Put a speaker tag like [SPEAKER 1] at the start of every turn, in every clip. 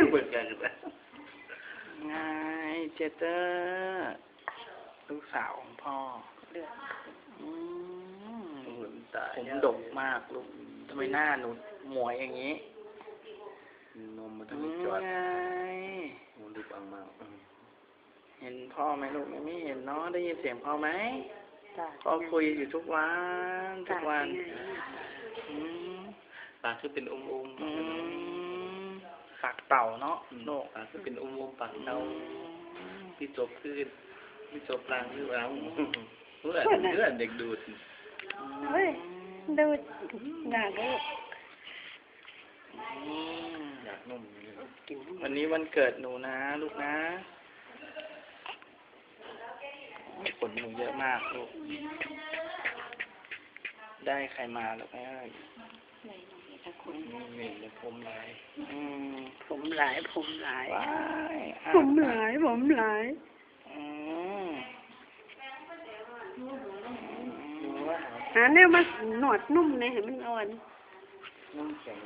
[SPEAKER 1] เปิดกันแล้ว
[SPEAKER 2] ไงเจเตอร์ลูกสาวของพ่อผมดกมากลูกทำไมหน้าหนูหมวยอย่างนี้
[SPEAKER 1] นมมันทำให้จอด
[SPEAKER 2] ไง
[SPEAKER 1] มันดูปังมาก
[SPEAKER 2] เห็นพ่อไหมลูกไม่เห็นเนาะได้ยินเสียงพ่อไหมพ่อคุยอยู่ทุกวัน
[SPEAKER 1] ปากคือเป็นอุ้ม
[SPEAKER 2] ปากเต่าเนาะโลก
[SPEAKER 1] ปากคือเป็นอุ้มปากเต่าที่จบขึ้นที่จบลางหรือเปล่าเพื่อนเด็กดูด
[SPEAKER 3] เฮ้ยดูดอยากดู
[SPEAKER 1] อยากนุ่ม
[SPEAKER 2] วันนี้วันเกิดหนูนะลูกนะขนหนูเยอะมากลูกได้ใครมาลูกเอ้ยนี่เลยผมหลาย
[SPEAKER 3] ผมหลาย
[SPEAKER 2] ผมหลาย
[SPEAKER 3] หาเนี่ยมาหนวดนุ่มเลยเห็นมันอ่อน
[SPEAKER 1] นุ่มแข็ง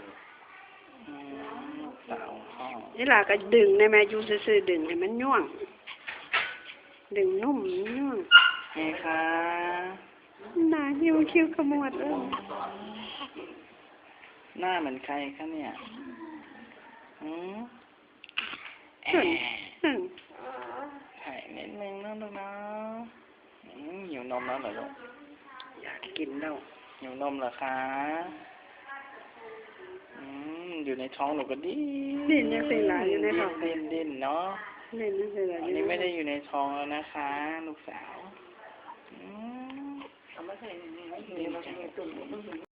[SPEAKER 2] สาวพ่อ
[SPEAKER 3] นี่ล่ะก็ดึงในแม่ยูซื่อๆดึงให้มันย่วงดึงนุ่มย่วง
[SPEAKER 2] เฮ้ค่ะ
[SPEAKER 3] หน้าหิวคิ้วขมวด
[SPEAKER 2] หน้าเหมือนใครคะเนี่ยถ่ายนิดนึงนะลูกนะหิวนมแล้วเหรอลูก
[SPEAKER 3] อยากกินแล้ว
[SPEAKER 2] หิวนมเหรอคะอยู่ในท้องหนูก็
[SPEAKER 3] ดิ้นยังเป็นหลายอยู่ในท้อง
[SPEAKER 2] ดิ้นเนาะ
[SPEAKER 3] ดิ้นยังเป็นหลาย
[SPEAKER 2] อันนี้ไม่ได้อยู่ในท้องแล้วนะคะลูกสาว